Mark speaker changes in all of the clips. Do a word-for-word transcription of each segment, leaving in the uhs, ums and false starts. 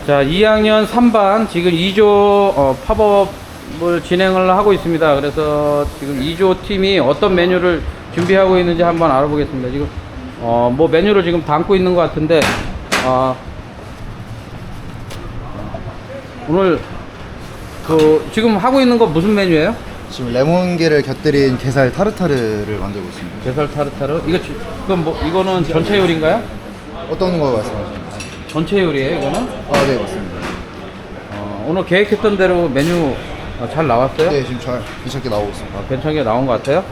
Speaker 1: 자, 이 학년 삼 반 지금 이 조 어, 팝업을 진행을 하고 있습니다. 그래서 지금 이 조 팀이 어떤 메뉴를 준비하고 있는지 한번 알아보겠습니다. 지금 어, 뭐 메뉴를 지금 담고 있는 것 같은데 어, 오늘 그 지금 하고 있는 거 무슨 메뉴예요?
Speaker 2: 지금 레몬게를 곁들인 게살 타르타르를 만들고 있습니다.
Speaker 1: 게살 타르타르? 이거 지- 그럼 뭐 이거는 전체 요리인가요?
Speaker 2: 어떤 거 말씀하시는 거죠?
Speaker 1: 전체 요리예요, 이거는?
Speaker 2: 아, 네, 맞습니다.
Speaker 1: 어, 오늘 계획했던 대로 메뉴 어, 잘 나왔어요?
Speaker 2: 네, 지금 잘 괜찮게 나오고 있습니다.
Speaker 1: 아, 괜찮게 나온 것 같아요?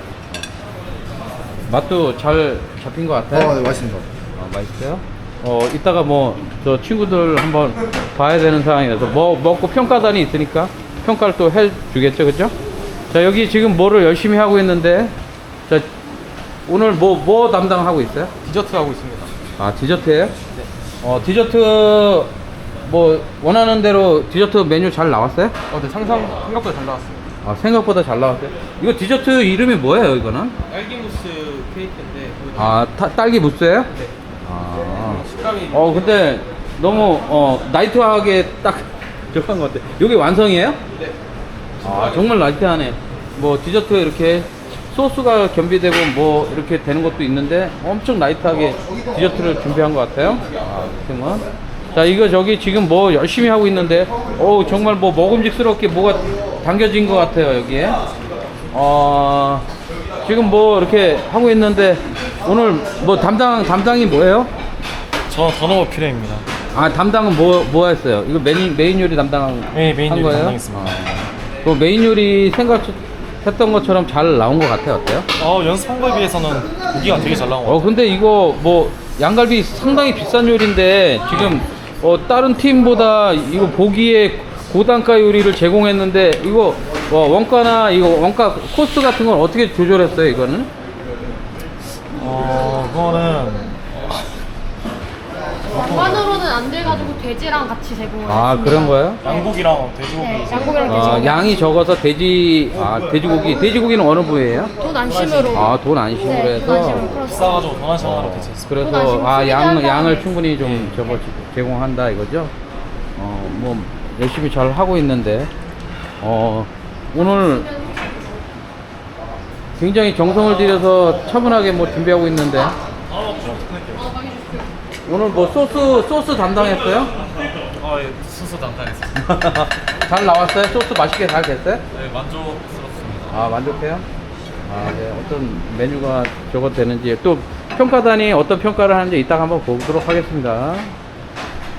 Speaker 1: 맛도 잘 잡힌 것 같아요?
Speaker 2: 아, 네, 맛있습니다.
Speaker 1: 아, 맛있어요? 어, 이따가 뭐, 저 친구들 한번 봐야 되는 상황이라서, 뭐, 먹고 평가단이 있으니까 평가를 또 해주겠죠, 그죠? 자, 여기 지금 뭐를 열심히 하고 있는데, 자, 오늘 뭐, 뭐 담당하고 있어요?
Speaker 3: 디저트 하고 있습니다.
Speaker 1: 아, 디저트예요
Speaker 3: 네.
Speaker 1: 어, 디저트, 뭐, 원하는 대로 디저트 메뉴 잘 나왔어요?
Speaker 3: 어, 네, 상상 생각보다 잘 나왔어요.
Speaker 1: 아, 생각보다 잘 나왔어요? 이거 디저트 이름이 뭐예요, 이거는?
Speaker 3: 딸기 무스 케이크인데.
Speaker 1: 아, 타, 딸기 무스예요?
Speaker 3: 네.
Speaker 1: 아.
Speaker 3: 식감이.
Speaker 1: 어 근데 너무 어 나이트하게 딱 들어간 것 같아. 이게 완성이에요?
Speaker 3: 네.
Speaker 1: 아 정말 나이트하네. 뭐 디저트 이렇게 소스가 겸비되고 뭐 이렇게 되는 것도 있는데 엄청 나이트하게 디저트를 준비한 것 같아요. 아 그러면 자 이거 저기 지금 뭐 열심히 하고 있는데 어 정말 뭐 먹음직스럽게 뭐가 담겨진 것 같아요 여기에. 어 지금 뭐 이렇게 하고 있는데 오늘 뭐 담당 담당이 뭐예요?
Speaker 3: 저는 더노버 피레입니다.
Speaker 1: 아 담당은 뭐 뭐 했어요? 이거 메인 메인 요리 담당한
Speaker 3: 네, 메인 요리
Speaker 1: 거예요?
Speaker 3: 담당했습니다.
Speaker 1: 아, 그 메인 요리 생각했던 것처럼 잘 나온 것 같아요. 어때요?
Speaker 3: 어, 연습한 거에 비해서는 고기가 되게 잘 나온 것
Speaker 1: 어
Speaker 3: 같아요.
Speaker 1: 근데 이거 뭐 양갈비 상당히 비싼 요리인데 지금 어 다른 팀보다 이거 보기에 고단가 요리를 제공했는데 이거 어, 원가나 이거 원가 코스트 같은 건 어떻게 조절했어요? 이거는?
Speaker 3: 어, 그거는
Speaker 4: 반반으로는 안 돼가지고 돼지랑 같이 제공을
Speaker 1: 아
Speaker 4: 했습니다.
Speaker 1: 그런 거예요?
Speaker 3: 양고기랑 돼지고기.
Speaker 4: 네, 양고기랑
Speaker 1: 아,
Speaker 4: 돼지고기.
Speaker 1: 양이 적어서 돼지 아 돼지고기 돼지고기는 어느 부위예요?
Speaker 4: 돈 안심으로.
Speaker 1: 아 돈 안심으로
Speaker 4: 네,
Speaker 1: 해서
Speaker 4: 돈 안심으로 풀었어요.
Speaker 3: 비싸가지고 돈 한 시간으로 대체했습니다.
Speaker 1: 그래서
Speaker 4: 돈
Speaker 1: 아
Speaker 4: 아시고
Speaker 1: 양
Speaker 4: 쓰리다
Speaker 1: 양을
Speaker 4: 하면.
Speaker 1: 충분히 좀 저거 제공한다 이거죠. 어 뭐 열심히 잘 하고 있는데 어 오늘 굉장히 정성을 들여서 차분하게 뭐 준비하고 있는데 오늘 뭐 소스 소스 담당했어요?
Speaker 3: 어, 예, 수수 담당했습니다.
Speaker 1: 잘 나왔어요? 소스 맛있게 잘 됐어요?
Speaker 3: 네, 만족스럽습니다.
Speaker 1: 아 만족해요? 아, 네. 어떤 메뉴가 저거 되는지 또 평가단이 어떤 평가를 하는지 이따가 한번 보도록 하겠습니다.